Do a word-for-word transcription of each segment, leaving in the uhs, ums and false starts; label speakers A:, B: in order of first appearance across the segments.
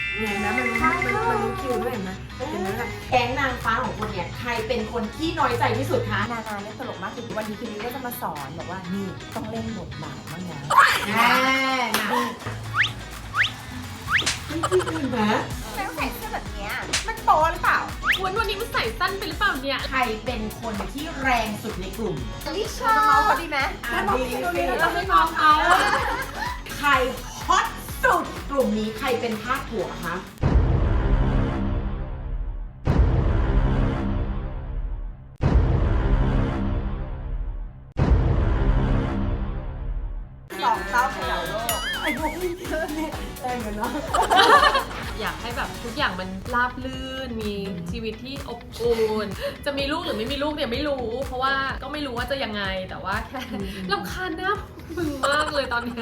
A: เนี่ยนะมันมันมันรู้คิวด้วยเห็นไหมเห็นไหมล่ะแก๊งนางฟ้าของคนเนี่ยใครเป็นคนที่น้อยใจที่สุดคะ
B: นานาเนี่ยตลกมากคือวันนี้คืนนี้ก็จะมาสอนบอกว่านี่ต้องเล่นบทบาทบ้างนะ
A: แน่นะไม่จริงนะ
B: ไม่ต้องใส่เสื้อแบบเนี้ยมันโป๊หรือเปล่า
C: วันวันนี้มันใส่สั้นไปหรือเปล่าเนี่ย
A: ใครเป็นคนที่แรงสุดในกลุ่ม
B: ลิชาเราเขาดีไหม
A: อ่ะดีดี
C: เราไม่มองเขา
A: ใครฮอตสุดกลุ่มนี้ใครเป็นพาดหัวคะ
B: สองเต้าเขย่าโลก
A: ไอ้พวกนี้แรงกันเนาะ
C: อยากให้แบบทุกอย่างมันราบรื่นมีชีวิตที่อบอุ่นจะมีลูกหรือไม่มีลูกเนี่ยไม่รู้ เพราะว่าก็ไม่รู้ว่าจะยังไงแต่ว่าแค่รำคาญหน้ามึงมากเลยตอนเนี้ย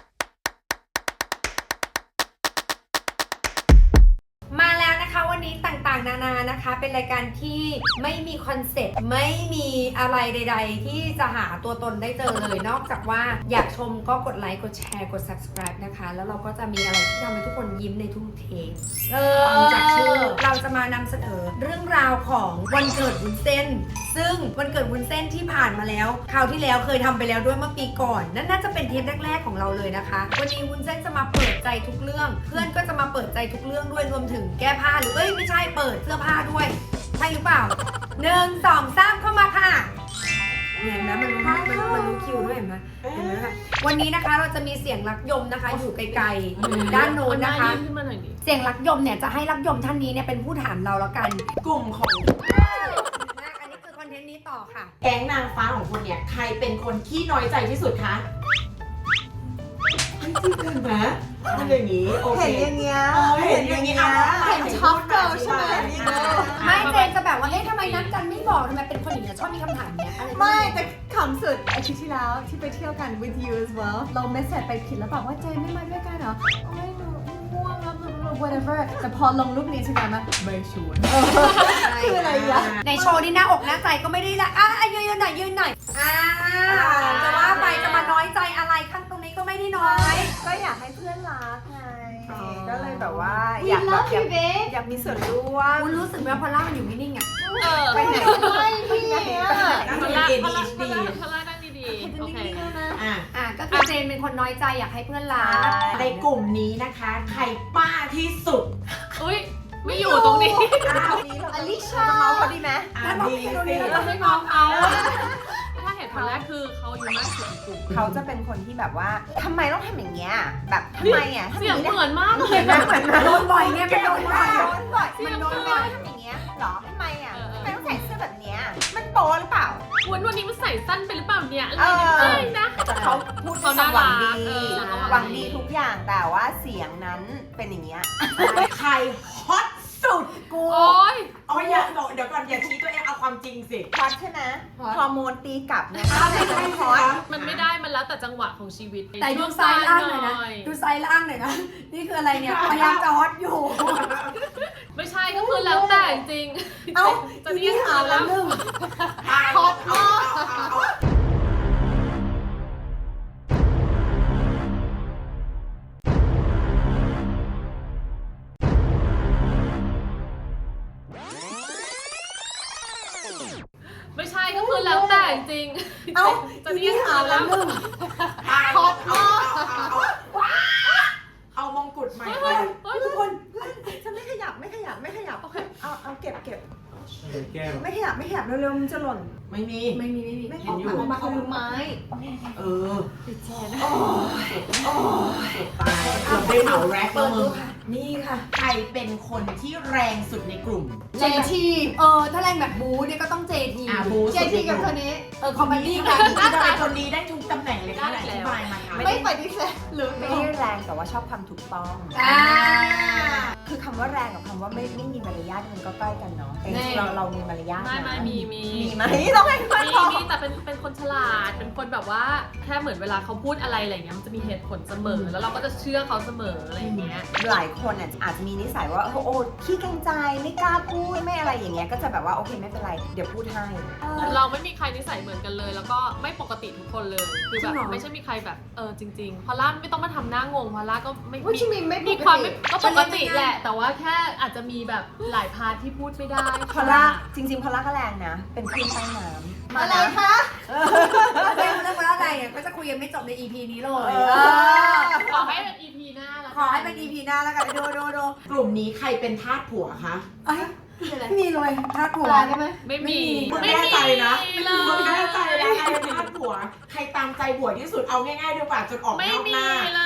B: มาแล้วนะคะวันนี้ต่างๆนานานะคะเป็นรายการที่ไม่มีคอนเซ็ปต์ไม่มีอะไรใด ๆ ที่จะหาตัวตนได้เจอเลยนอกจากว่าอยากชมก็กดไลค์กดแชร์กด subscribe นะคะแล้วเราก็จะมีอะไรที่ทำให้ทุกคนยิ้มในทุกเทปเออ
A: ฟังจากชื่อ
B: เราจะมานำเสนอเรื่องราวของวันเกิดวุ้นเส้น ซึ่งวันเกิดวุ้นเส้นที่ผ่านมาแล้วคราวที่แล้วเคยทำไปแล้วด้วยเมื่อปีก่อนนั่นน่าจะเป็นเทปแรกๆของเราเลยนะคะวันนี้วุ้นเส้นจะมาเปิดใจทุกเรื่อง เพื่อนก็จะมาเปิดใจทุกเรื่องด้วยรวมถึงแก้ผ้าหรือเอ้ยไม่ใช่เปิดเสื้อผ้าด้วยใช่หรือเปล่าหนึ่งสองสามเข้ามาค่ะเนี่ยเห็นไหมมันรู้มันมันรู้คิวด้วยเห็นไหมเห็นไหมคะวันนี้นะคะเราจะมีเสียงรักยมนะคะอยู่ไกลๆด้านโน้นนะคะ
C: เอาหายื่ขึ้นมาหน่อยดิ
B: เสียงรักยมเนี่ยจะให้รักยมท่านนี้เนี่ยเป็นผู้ถามเราแล้วกัน
A: กลุ่มของ
B: อันนี้คือคอนเทนต์นี้ต่อค่ะ
A: แก๊งนางฟ้าของคนเนี่ยใครเป็นคนที่น้อยใจที่สุดคะไม่จริงนะมันอย่างนี้โอเค
B: เห็นอย่างเงี้ย
A: เออเห็นอย่างนี้อ่ะ
B: เห็นช็อปเกิร์ลใช่ไหม
A: อ่ะ
B: ไม่เจนจะแบบว่าเอ๊ะทำไมนัดกันไม่บอกทำไมเป็นคนอย่างเงี้ยชอบมีคำถามเนี้ยอะไร
D: ไม่แต่ขำสุดอาทิตย์ที่แล้วที่ไปเที่ยวกัน with you as well เราเมสเซจไปผิดแล้วบอกว่าเจนไม่มาด้วยกันเหรอไม่หนูง่วงแล้ว whatever แต่พอลงรูปนี้ใช่ไหมมาไม่ชวนคืออะไรอ่ะ
B: ในโชว์นี่หน้าอกหน้าใจก็ไม่ได้ละอ่ะอ่ะยืนยืนหน่อยยืนหน่อยอ่าจะว่าไปจะมาน้อยใจอะไรข้างตรงนี้ก็ไม่ได้น้อย
D: ก็อยากให้เพื่อนรักไง
B: อ๋อ
D: ก็เลยแบบว่าอยากแบบอยากอยากมีส่วนร่วม
B: คุณรู้สึกไหมว่าพอล่ามันอยู่นิ่งๆอ่ะ
C: เออ
D: ไปไหนไม่พี่อ่ะ
A: นั่ง
C: พ
A: เรีย
C: ลาน
A: เอ
C: พ
A: ดี
C: ลา
A: เอช
C: พ
A: ดี
C: ลาพลานั่งดีๆโอเค
A: อ่ะ
B: อ่ะก็คือเจนเป็นคนน้อยใจอยากให้เพื่อนรัก
A: ในกลุ่มนี้นะคะใครป้าที่สุด
C: อุ้ยไม่อยู่ตรงนี้
A: อ้าว
D: อลิชาจะเมาเขาดีไหม
A: อ่ะดีสิ
C: เราไม่มองเขาถ้าเหตุผลแรกคือเขาอายู่มากสุดในกลุ่ม
D: เขาจะเป็นคนที่แบบว่าทำไมต้องทำอย่างเงี้ยแบบทำไมอ่ะ
C: เสียง
D: ทำ
C: เหมือนมากเลย
D: นะ
C: นะ
D: เหมือนนะ
B: โดนบ่อยเนี่ยเป็นโดนบ่อย
D: โดนบ่อย
C: เสียง
D: มันโดน
C: เหมื
D: บ่
C: อ
D: อน ยทำอย่างเงี้ยหรอทำไมอ่ะ
C: เออเออ
D: ทำไมต้องใส่เสื้อแบบเนี้ยมันโป๊หรือเปล่า
C: วันวันนี้มันใส่สั้นไปหรือเปล่าเนี่ยอะไร
D: เออ
C: เนี่ยไม่นะ
D: เขาพูด
C: เขา
D: ค
C: น่าว
D: ามหวังดี
C: รักเออเขาห
D: ห
C: วั
D: วั
C: ง
D: ง
C: ดี
D: ดีทุกอย่างแต่ว่าเสียงนั้นเป็นอย่างเงี้ย
A: ใครฮอตสุดกู
C: โอ๊ย
A: อ๋ออย่าเดี๋ยวก่อนอย่าชี้ตัวเองเอาความจริงสิ
D: ฮอตใช่ไหมฮอร์โมนตีกลับเนี่ย
A: อ้าวไม่ใช่
D: ฮอต
C: มันไม่ได้มันแล้วแต่จังหวะของชีวิต
B: แต่ดูซ้ายล่างหน่อยนะดูซ้ายล่างหน่อยนะนี่คืออะไรเนี่ยพยายามจะฮอตอยู่
C: ไม่ใช่ก็คือแล้วแต่จริงๆ
B: เอ้า
C: จะเรียกเขาแล้ว
B: หนึ่ง
A: ฮอตมาก
C: ไม่ใช่ก็คือแล้วแต่จริงๆ
B: เอ้า
C: จะเรียกเขาแล้ว
B: หนึ่ง
A: ฮอตมากเอามงกุฎใหม่ไป
C: เฮ้ย
B: ทุกคน
D: ฉันไม่ขยับไม่ขยับไม่ขยับ
C: โอเค
D: เอาเอาเก็บเก็บ
E: แก้ว
D: ไม่ขยับไม่ขยับเร็วๆมันจะหล่น
A: ไม่มี
B: ไม่มีไม่มี
D: ไม่
A: เห็นอยู่
D: เอามาเอามือไม้
A: เออโอ้ยโอ้ยตายเกือบได้เหมาแร็คแล้วมึงนี่ค่ะใครเป็นคนที่แรงสุดในกลุ่ม
B: เจทีเออถ้าแรงแบบบูเนี่ยก็ต้องเจที
A: อ่ะบู
B: เจทีกับคนนี้เออคอมเมดี้กัน
A: ที่จะเป็นคนนี้ได้ทุกตำแหน่งเลยค่ะอธิบายมาค่ะ
D: ไม่ปฏิเสธหรือไม่ได้แรงแต่ว่าชอบความถูกต้อง
B: อ่า
D: คือ
E: คำว่าแรงกับคำว่าไม่ไม่มีมารยาทมันก็ใกล้กันเนาะแต่
C: แน่
E: เราเรามีมารยาท
C: ไม่
E: นะ
C: ไม่มีมี
E: มีไหมต้องให้ค่อย
C: มี
E: บอก
C: มีแต่เป็นเป็นคนฉลาดเป็นคนแบบว่าแค่เหมือนเวลาเขาพูดอะไรอะไรเงี้ยมันจะมีเหตุผลเสมอ แล้วเราก็จะเชื่อเขาเสมออะไรอย่างเงี้ย
E: หลายคนอ่ะอาจจะมีนิสัยว่าโอ้โอ้ขี้เกรงใจไม่กล้าพูดไม่อะไรอย่างเงี้ยก็จะแบบว่าโอเคไม่เป็นไรเดี๋ยวพูดให้เออ
C: เราไม่มีใครนิสัยเหมือนกันเลย แล้วก็ไม่ปกติทุกคนเลยคือแบบ
B: จริงเหรอ
C: ไม่ใช่มีใครแบบเออจริงๆพอล่าไม่ต้องมาทำหน้างงพอล่าก็ไม่
E: ว่าชิมิไม่ปกติ
C: มีความไม่ก็ปกติแหละ แต่ว่าแค่อาจจะมีแบบหลายพาร์ทที่พูดไม่ได้
E: พอลล่าจริงๆพอลล่าก็แรงนะ เป็นคลื่นใต้น้ำมา
D: อะไร
E: นะคะ
B: เรื่องเรื่องว่าอะไรเนี่ยก็จะคุยกันไม่จบใน อี พี นี้เลย
E: เออ
B: เออ
C: ขอให้เป็น อี พี หน้าแล้ว
B: ขอให้เป็น อี พี หน้าแล้วกันดูดูดู
A: กลุ่มนี้ใครเป็นทาสผัวคะ
B: เอ้ยไม่มีเลยถ้าถูก
D: ปลาได้ไหม
C: ไม่มี
A: มึงแน่ใจนะ
C: เล
A: มึงแน่
C: ย
A: ใจนะใครเป็นทาสผัว ใครตามใจผัวที่สุดเอาง่ายๆดีกว่าจนออก
C: ไม่
A: นอก
C: มี
A: หน้า
C: เลย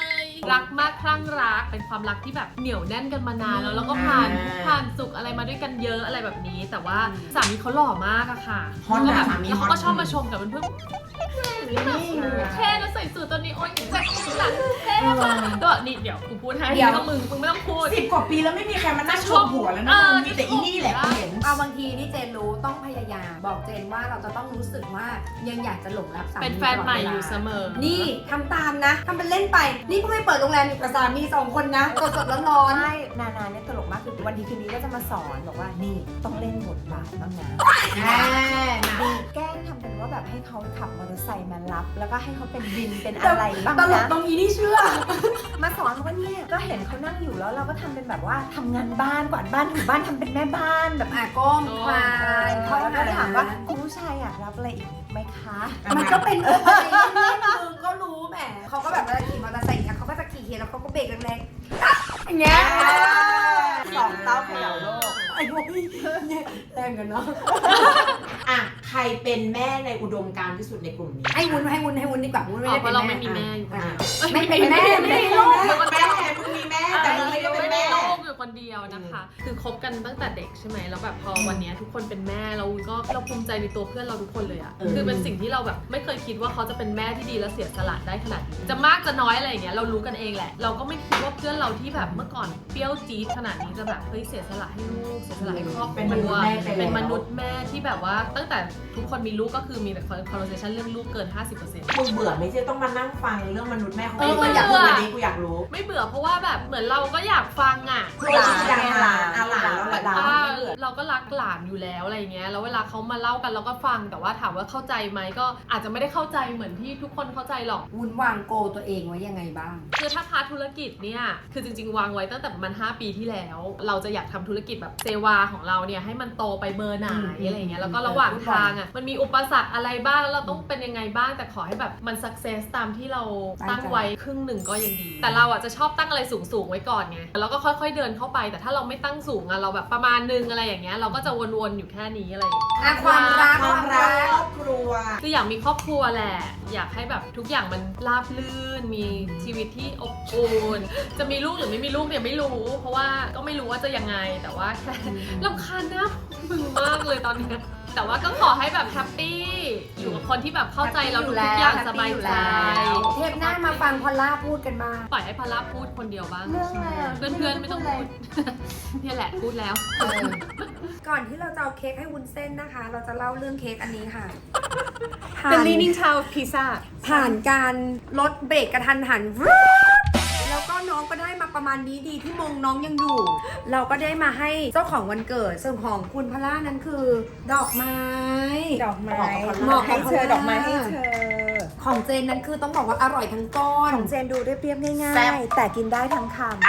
C: รักมากคลั่งรักเป็นความรักที่แบบเหนียวแน่นกันมานานแล้วแล้วก็ผ่าน
A: อ่า
C: ผ่านสุขอะไรมาด้วยกันเยอะอะไรแบบนี้ แต่ว่าสามีเขาหล่อมากอะค่ะ
A: ฮอต
C: แล้ว
A: นะ
C: แบบ
A: สามี
C: แล้ว
A: ฮอ
C: เขา
A: ต
C: ก็ชอบมาชมกับเพื่อนๆเท่แล้วใส่สูทตัวนี้โอ๊ยแจ็คหลังเท่มากก็นี่เดี๋ยวกูพูดให้ไม่ต้องมึงมึงไม่ต้องพูด
A: สิบกว่าปีแล้วไม่มีใครมานั่งชมผัวแล้วนะ
C: เออ
A: มึงมีแต่อีนี่แหละกูเห็น
B: เอาบางทีนี่เจนรู้ต้องพยายามบอกเจนว่าเราจะต้องรู้สึกว่ายังอยากจะหลงรักสามี
C: เป็นแฟนใหม่อยู่เสมอ
B: นี่ทำตามนะทำเป็นเล่นไป นี่เพิ่งไปเปิดโรงแรมอยู่กับสามีสองคนนะสดสดๆร้อน
E: ใช่นานาเนี่ยตลกมากคือวันดีคืนนี้ก็จะมาสอนบอกว่านี่ต้องเล่นบทบาทบ้างนะ
B: ๆแหม
E: ดีแกล้งทำเป็นว่าแบบให้เขาขับมอเตอร์ไซค์มารับ แล้วก็ให้เขาเป็นวินเป็นอะไรบ้าง
B: ตลก
E: นะ
B: ตรงนี้นี่เชื่อ
E: มาสอนว่าเนี่ยก็เห็นเขานั่งอยู่แล้วเราก็ทำเป็นแบบว่าทำงานบ้านกวาดบ้านถูบ้านทำเป็นแม่บ้านแบบ
B: อ่ะก้มคลา
E: ใช่
B: น
E: เขาก็ถามว่าคุณผู้ชายอยากรับอะไรอีกไหมคะ
B: มันก็เป็นเรื่องอะไรเล่นๆมึงก็รู้แหมเขาก็แบบเวลาขี่มอเตอร์ไซค์อย่างเงี้ยเขาก็จะขี่เคียแล้วเขาก็เบรกแรงๆอย่างเงี้ย
E: สองเต้าเขย่าโลก
B: ไอ้พวกนี้แรงกันเนาะ
A: อ่ะใครเป็นแม่ในอุดมการณ์ที่สุดในกลุ่มนี้
B: ให้วุ้นให้วุ้นให้วุ้นดีกว่าวุ้นไม่
C: อ๋อ
B: ได้
C: เพ
B: เป็น
C: ราะเรา
B: แม่
C: ไม่มีแม่อยู่
B: อ่ะ
C: คนเดียว
B: ไม่เป็นแม่ไม่เป็นลูก
A: แม่มึงมีแม่แต่มึงไม่ได้เป็นแม่
C: ลูกอยู่คนเดียวนะคะ คือคบกันตั้งแต่เด็กใช่ไหมแล้วแบบพอวันเนี้ยทุกคนเป็นแม่เราก็เราภูมิใจในตัวเพื่อนเราทุกคนเลยอะ
A: เออ
C: คือเป็นสิ่งที่เราแบบไม่เคยคิดว่าเขาจะเป็นแม่ที่ดีและเสียสละได้ขนาดนี้จะมากจะน้อยอะไรอย่างเงี้ยเรารู้กันเองแหละ เราก็ไม่คิดว่าเพื่อนเราที่แบบเมื่อก่อนเปรี้ยวจี๊ดขนาดนี้จะแบบเฮ้ยเสียสละให้ลูกเสียสละให้ครอบค
A: เป็นม
C: รั
A: นุษ
C: ว
A: ย์แม่ไปแล้ว
C: เป็นมนุษย์แม่ที่แบบว่าตั้งแต่ทุกคนมีลูกก็คือมีแต่ conversation เรื่องลูกเกิน ห้าสิบเปอร์เซ็นต์
A: มึงเบื่อไหม่ใช่ต้องมานั่งฟังเรื่องมนุษย์แม่ของ
C: เออ
A: กูอยากรู้
C: เบื่อ
A: วันนี้กูอยากรู้
C: ไม่เบื่อเพราะว่าแบบเหมือนเราก็อยากฟังอ่ะ
A: หลานไงหลานอ่ะหลานแล้ว
C: แบ
A: หลา
C: บ
A: น
C: ว่า
E: ไม่เบื่อ
C: เราก็รักหลานอยู่แล้วอะไรเงี้ยแล้วเวลาเขามาเล่ากันเราก็ฟังแต่ว่าถามว่าเข้าใจไหมก็อาจจะไม่ได้เข้าใจเหมือนที่ทุกคนเข้าใจหรอก
B: วุ้นวางโกตัวเองไว้ยังไงบ้าง
C: คือถ้าพาร์ทธุรกิจเนี่ยคือจริงๆวางไว้ตั้งแต่ประมาณห้าปีที่แล้ว เราจะอยากทำธุรกิจแบบเซวาของเราเนี่ยให้มันโตไปเบอร์ไหน
B: อืม
C: อะไรเงี้ยแล้วก็ระหว่างทางอ่ะมันมีอุปสรรคอะไรบ้างแล้วเราต้องเป็นยังไงบ้างแต่ขอให้แบบมันสักเซสตามที่เราตั้งไว้ครึ่งหนึ่งก็ยังดี แต่เราอ่ะจะชอบตั้งอะไรสูงๆไว้ก่อนไงแล้วก็ค่อยๆเดินเข้าไปแต่ถ้าเราไม่ตั้งสูงอ่ะเราแบบประมาณนึงอะไรอย่างเงี้ยเราก็จะวนๆอยู่แค่นี้อะไรอย่างเงี้ย
B: อ่ะความรักความ ม
A: คาวรั
B: รั
A: ก
B: ก
A: ครอบครัว
C: คืออยากมีครอบครัวแหละ อยากให้แบบทุกอย่างมันราบรื่น มีชีวิตที่อบอุ่น จะมีลูกหรือไม่มีลูกเนี่ยไม่รู้ เพราะว่าก็ไม่รู้ว่าจะยังไง แต่ว่าแค่รำคาญหน้ามึงมากเลยตอนเนี้ยแต่ว่าก็ขอให้แบบแฮปปี้ อยู่กับคนที่แบบเข้าใจเราทุกๆอย่างสบายใจ
B: เทปหน้ามาฟังพอลล่าพูดกันบ้าง
C: ปล่อยให้พาราพูดคนเดียวบ้าง
E: เรื่องอะไรอ่ะ
C: เพื่อนๆไม่ต้องพูด เนี่ยแหละพูดแล้ว
B: ก่อนที่เราจะเอาเค้กให้วุ้นเส้นนะคะ เราจะเล่าเรื่องเค้กอันนี้ค่ะ
D: เป็น leaning tower pizza
B: ผ่านการลดเบรกกระทันหัน แล้วก็น้องก็ได้มาประมาณนี้ดีที่มงน้องยังอยู่ เราก็ได้มาให้เจ้าของวันเกิดส่วนของคุณพล่านั้นคือ ดอกไม้
E: ดอกไม้
B: เหมาะกับ
E: ให้เธอ
B: พอลล่า
E: ดอกไม้ให้เธอ
B: ของเจนนั้นคือต้องบอกว่าอร่อยทั้งก้อน
E: ของเจนดูเรียบๆง่า
A: แซ่บ
E: ยๆแต่กินได้ทั้งคำ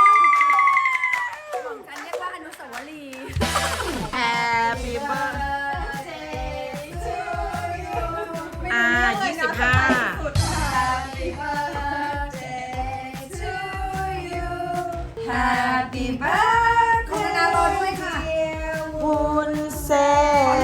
B: ของฉันเรียกว่าอนุสาวรีย์
A: Happy birthday to you อ่ายี่สิบห้า
B: Happy birthday คุณนารอด้วยค่ะ
A: วุ้นเส้น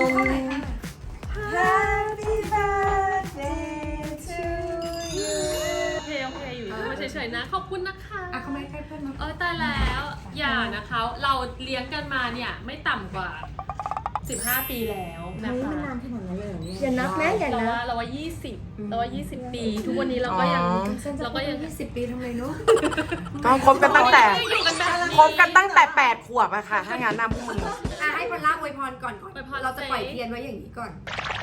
E: Happy birthday to you
C: โอเคโอเคอยู่มาเฉยๆนะ ขอบคุณนะคะ
B: อ่ะเขาไม่ให้เพื่อนมา
C: เออตายแล้วอย่านะคะ เราเลี้ยงกันมาเนี่ยไม่ต่ำกว่า สิบห้า ปีแล้วนะคะ
E: อย่านับนะอย่า
C: เรา
E: นับ
C: ว่าเราว่ายี่สิบเราว่ายี่สิบปี ทุกวันนี้เราก็ยัง
A: อ๋อ
C: เราก็ยัง
B: ยี่สิบปีทำไมเนาะ
A: ก็คบกันตั้งแต่
C: อยู่กันแบบนี้
A: คบกันตั้งแต่แปดขวบอะค่ะถ้างั้นนะพวกมึง
B: อ่ะให้พอลล่าอวยพรก่อนก่อน
C: อวยพร
B: เราจะปล่อยเทียนไว้อย่างนี้ก่อน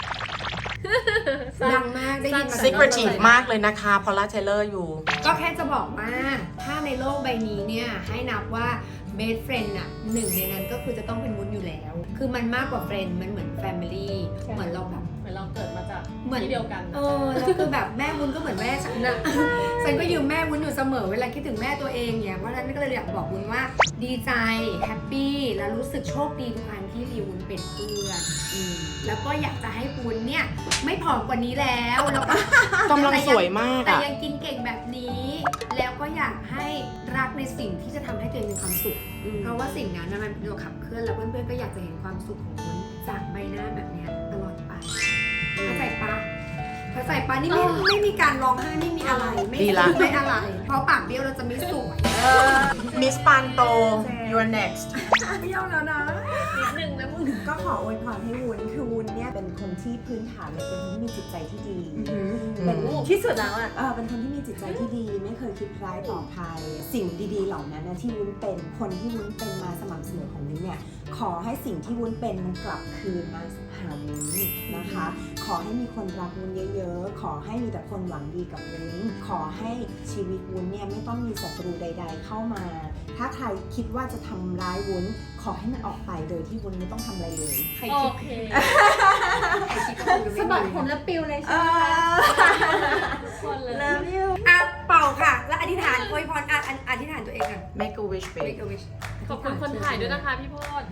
B: ดังมากได้ยินมา
A: secretive มากเลยนะคะพอลล่าเทเลอร์อยู่
B: ก็แค่จะบอกว่าถ้าในโลกใบนี้เนี่ยให้นับว่า best friend อะหนึ่งในนั้นก็คือจะต้องเป็นวุ้นอยู่แล้ว คือมันมากกว่า friend มันเหมือน family เหมือนเราแบบ
C: เหมือนเราเกิดมาจาก
B: เหมือน
C: ที่เดียวกัน
B: เออแล้วคือแบบแม่วุ้นก็เหมือนแม่ฉันนะ ฉันก็ยืมแม่วุ้นอยู่เสมอเวลาคิดถึงแม่ตัวเองเนี่ยเพราะฉะนั้นก็เลยอยากบอกวุ้นว่าดีใจแฮปปี้แล้วรู้สึกโชคดีทุกครั้งที่มีวุ้นเป็นเพื่อนอืมแล้วก็อยากจะให้วุ้นเนี่ยไม่ผอมกว่านี้แล้วแล้วก็
A: กำลังสวยมาก
B: แต่
A: อะ
B: ยังกินเก่งแบบนี้ แล้วก็อยากให้รักในสิ่งที่จะทำให้ตัวเองมีความสุข เพราะว่าสิ่งนั้นน่ะมันเป็นตัวขับเคลื่อนแล้วเพื่อนๆก็อยากจะเห็นความสุขของวุ้นจากใบหน้าแบบเนี้ยตลอดไปเข้าใจปะเข้าใจปะนี่ไม่ไม่มีการร้องไห้ไม่มีอะไร ไม่
A: ดีละ
B: ไม่อะไร เพราะปากเบี้ยวเราจะไม่สวย
A: มิสปานโต you're next
B: เบี้ยวแล้วนะ
C: นิดนึงนะมึง
E: ก็ขออวยพรให้วุ้นคือวุ้นเนี่ยเป็นคนที่พื้นฐานเลยเป็นคนที่มีจิตใจที่ดี เป็นที่สุดแล้วอ่ะเออเป็นคนที่มีจิตใจที่ดี ไม่เคยคิดร้ายต่อใครสิ่งดีๆเหล่านั้นนะที่วุ้นเป็นคนที่วุ้นเป็นมาสม่ำเสมอของวุ้นเนี่ยขอให้สิ่งที่วุ้นเป็นมันกลับคืนมาหาวุ้นนะคะ ขอให้มีคนรักวุ้นเยอะๆขอให้มีแต่คนหวังดีกับวุ้นขอให้ชีวิตวุ้นเนี่ยไม่ต้องมีศัตรูใด ๆ เข้ามา ถ้าใครคิดว่าจะทำร้ายวุ้นขอให้มันออกไปโดยที่วุ้นไม่ต้องทำอะไรเลย
B: ใคร
C: โอ
B: คิด
C: เค
B: ใครคิดก็คงจะไม่
D: สะบัด
B: มี
D: ผมแล้วปิวเลยใช่ไหม
C: คนเลย
B: อ่ะเป่าค่ะ แล้วอธิษฐานอวยพรอ่ะออธิษฐานตัวเองกัน
A: make a wish babe
B: make a wish
C: ขอบคุณคนถ่ายด้วยนะคะพี่โพด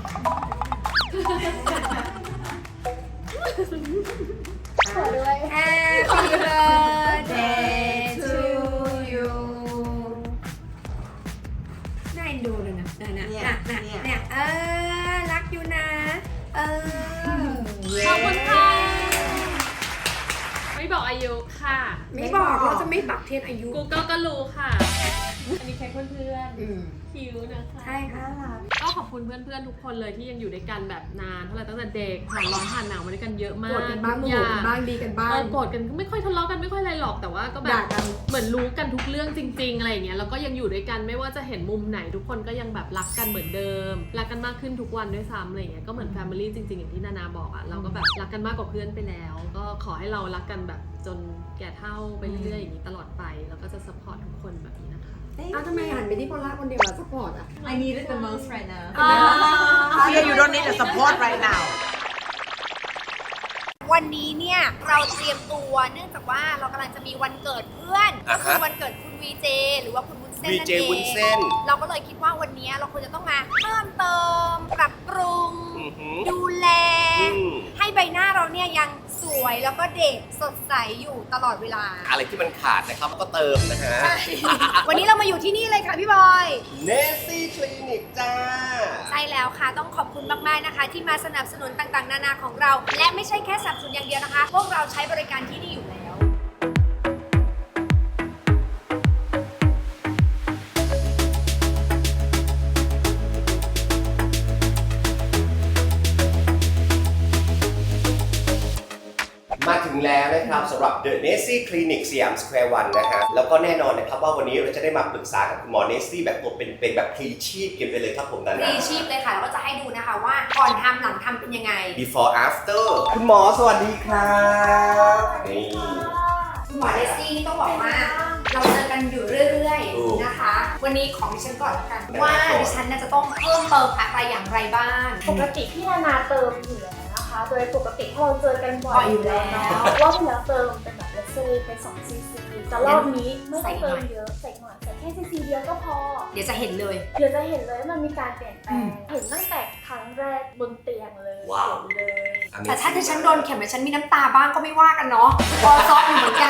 D: ขอด้วย
B: Happy birthday to you น่าเอ็นดูเลยนะนะนะนะนะเนี่ยเออรักอยู่นะ เออ
C: ขอบคุณค่ะ ไม่บอกอายุค่ะ
B: ไม่บอกเราจะไม่ปักเทียนอายุ
C: Google ก็รู้ค่ะ อันนี้แค่เพื่อน
B: อืม
C: ๆคิวนะคะ
B: ใช่ค่ะ
C: ก็ขอบคุณเพื่อนๆทุกคนเลยที่ยังอยู่ด้วยกันแบบนานเท่าไหร่ตั้งแต่เด็กผ่านร้อนผ่านหนาวมาด้วยกันเยอะมาก
B: โกรธกันบ้างโม
C: ทุ
B: โห
C: อย่
B: กันบ้างดีกันบ้าง
C: เออโกรธกันก็ไม่ค่อยทะเลาะกันไม่ค่อยอะไรหรอกแต่ว่าก็แบ
B: ด่า
C: บ
B: กัน
C: เหมือนรู้กันทุกเรื่องจริง ๆอะไรอย่างเงี้ยแล้วก็ยังอยู่ด้วยกันไม่ว่าจะเห็นมุมไหนทุกคนก็ยังแบบรักกันเหมือนเดิมรักกันมากขึ้นทุกวันด้วยซ้ำอะไรอย่างเงี้ยก็เหมือนแฟมิลี่จริงๆอย่างที่นานาบอกอ่ะเราก็แบบรักกันมากกว่าเพื่อนไปแล้ว ก็ขอให้เรารักกันแบบจนแก่เฒ่าไปเรื่อยๆอย่างนี้ตลอดไปแล้วก็จะซัพพอร์ตทุกคนแบบนี้นะคะ
B: อ้าวทำไมหันไปที่พอลล่าคนเดียวอะซัพพอร์ตอะ
D: I need it the most right now
A: Fear you don't need the support right now
B: วันนี้เนี่ยเราเตรียมตัวเนื่องจากว่าเรากำลังจะมีวันเกิดเพื่อนก็คือวันเกิดคุณวีเจหรือว่าคุณวุ้นเส้นนั่นเอง
F: วุ้นเส้น
B: เราก็เลยคิดว่าวันนี้เราควรจะต้องมาเพิ่มเติมปรับปรุง
F: อือหือ
B: ดูแล
F: อืม
B: ให้ใบหน้าเราเนี่ยยังสวยแล้วก็เด็กสดใสอยู่ตลอดเวลา
F: อะไรที่มันขาดนะครับก็เติมนะฮะ
B: วันนี้เรามาอยู่ที่นี่เลยค่ะพี่บอย
F: เนสซี่คลินิกจ้า
B: ใช่แล้วค่ะต้องขอบคุณมากๆนะคะ ที่มาสนับสนุนต่างๆ นานาของเรา และไม่ใช่แค่สนับสนุนอย่างเดียวนะคะ พวกเราใช้บริการที่นี่อยู่แล้ว
F: มาถึงแล้วนะครับสำหรับ The Nessie Clinic สยามสแควร์วันนะฮะแล้วก็แน่นอนนะครับว่าวันนี้เราจะได้มาปรึกษากับคุณหมอเนสซี่แบบตัวเป็นๆแบบพลีชีพกันไปเลยครับผมนานา
B: รีชีพเลยค่ะแล้วก็จะให้ดูนะคะว่าก่อนทำหลังทำเป็นยังไง
F: before after คุณหมอสวัสดีครับนี่
B: คุณหมอเดซี่นี่ต้องบอกว่าเราเจอกันอยู่เรื่อยๆนะคะ วันนี้ของดิฉันก่อนแล้วกันว่าดิฉันน่าจะต้องเพิ่มเติมอะไรอย่างไรบ้าง
G: ปกติพี่นานาเติมอยู่แล้วนะคะ โดยปกติเราเจอกันบ่
B: บ่
G: อ
B: อย
G: ย
B: อ
G: อยู่ ยู่
B: แล้
G: แล้ว วรอบที่แล้วเติมเป็นแบบเลเซอร์เป็นสองซีซีแต่รอบนี้ไม่ต้องเติมเยอะใส่หน่อยแต่แค่ซีซีเดียวก็พอ
B: เดี๋ยวจะเห็นเลย
G: เดี๋ยวจะเห็นเลยว่ามันมีการเปลี่ยนแปลง เห็นตั้งแต่ครั้งแรกบนเตียงเลย
F: ว้าว
G: เห็นเลย
B: แต่ถ้าที่ฉันโดนเข็มแล้วฉันมีน้ำตาบ้างก็ไม่ว่ากันเนาะพอซอฟอยู่เหมือนกัน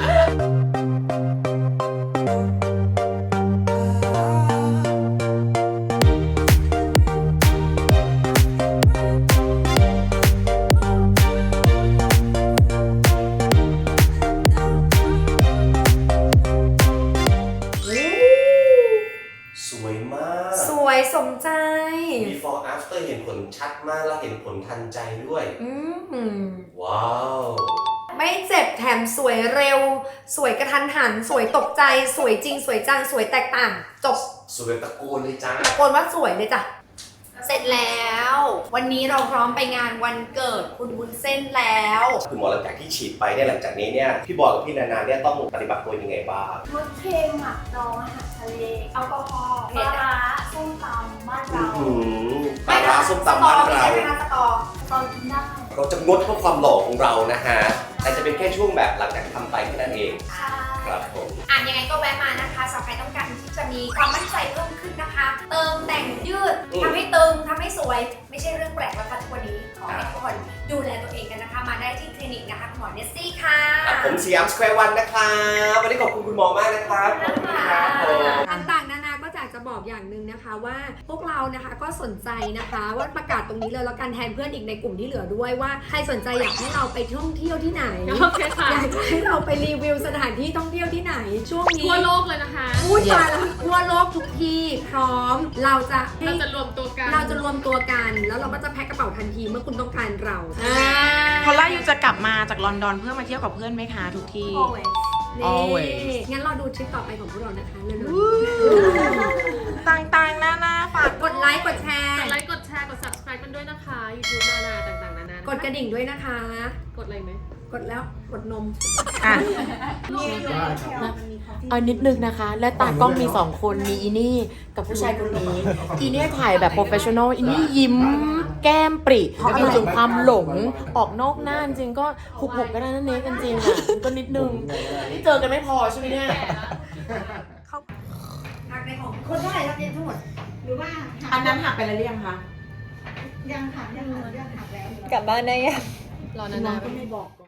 F: สวยมาก
B: สวยสมใจ
F: before after เห็นผลชัดมากแล้วเห็นผลทันใจด้วย
B: อืม
F: ว้าว
G: ม
B: ไม่เจ็บแถมสวยเร็ว สวยกระทันหัน สวยตกใจ สวยจริง สวยจัง สวยแตกต่าง จบ
F: สวยตะโกนเลยจ้า
B: ตะโกนว่าสวยเลยจ้ะ เสร็จแล้ว วันนี้เราพร้อมไปงานวันเกิดคุณวุ้นเส้นแล้ว
F: คุณหมอหลังจากที่ฉีดไปเนี่ยหลังจากนี้เนี่ยพี่บอยกับพี่นานาเนี่ยต้องปฏิบัติตัวยังไงบ้าง
G: งดเค็มหมักดองอาหารทะเลแอลกอฮอล์ปลาร้าส้มตำบ้านเรา
F: อืมปลาร้าส้มตำบ้านเรา
B: ใช่ไหมคะสตอ
G: ตอนกินได้
F: เราจะงดเพื่อความหล่อของเรานะฮะแต่จะเป็นแค่ช่วงแบบหลังจากที่ทำไปแค่นั้นเอง
G: ใช่
F: ครับผม
B: อ่ะยังไงก็แวะมานะคะสำหรับใครต้องการที่จะมีความมั่นใจเพิ่มขึ้นนะคะ เติมแต่งยืด
F: อืม
B: ทำให้ตึงทำให้สวย ไม่ใช่เรื่องแปลกแล้วค่ะทุกวันนี้ ขอให้ทุกคนดูแลตัวเองกันนะคะ มาได้ที่คลินิกนะคะคุณหมอเนสซี่ค่ะ
F: ครับผมสยามสแควร์วันนะครับวันนี้ขอบคุณคุณหมอมากนะครับขอบคุณครับผม
B: ต่างๆนานาก็อยากจะบอกอย่างหนึ่งนะคะว่าพวกเรานะคะก็สนใจนะคะว่าประกาศตรงนี้เลยแล้วกันแทนเพื่อนอีกในกลุ่มที่เหลือด้วยว่าใครสนใจอยากให้เราไปท่องเที่ยวที่ไหน
C: โอเคค่ะ
B: อยากจะให้เราไปรีวิวสถานที่ท่องเที่ยวที่ไหน ช่วงนี้
C: ทั่วโลกเลยนะคะ
B: พูดมาแล้วทั่วโลกทุกที่พร้อมเราจะให้
C: เราจะรวมตัวกัน
B: เราจะรวมตัวกันแล้วเราก็จะแพ็คกระเป๋าทันทีเมื่อคุณต้องการเรา
A: พอลล่าอยู่จะกลับมาจากลอนดอนเพื่อมาเที่ยวกับเพื่อนไหมคะทุกที่
B: นี่
A: always
B: งั้นเราดูทริปต่อไปของพวกเรานะคะเร็ว
A: ต่างๆหน้าหน้าฝาก
B: ๆกดไลค์กดแชร์
C: กดไลค์ กดแชร์ กด subscribe กันด้วยนะคะ YouTube นานาต่างๆ นานา
B: กดกระดิ่งด้วยนะคะ
C: กดอะไรไหม
B: กดแล้วกดนม
A: อ่ะ
H: เอานิดนึงนะคะ และตากล้องมีสองคนมีอีนี่กับผู้ชายคนนี้ อีเนี่ยถ่ายแบบโปรเฟชชั่นอลอีนี่ยิ้มแก้มปริมีถึงความหลงออกนอกหน้าจริงก็หุบหุบกันนั่นเองกันจริงอ่ะก็นิดนึงนี่เจอกันไม่พอใช่ไหมเนี่ย
B: หักในของคนเท่าไหร่ครับเนี่ยทั้งหมด
D: หรือว่า
A: อันนั้นหักไปแล้วหรือยังคะ
D: ยังหักยังหักยังหักแล้ว
E: กลับบ้านได้ยัง
C: รอนานา
H: ก็ไม่บอก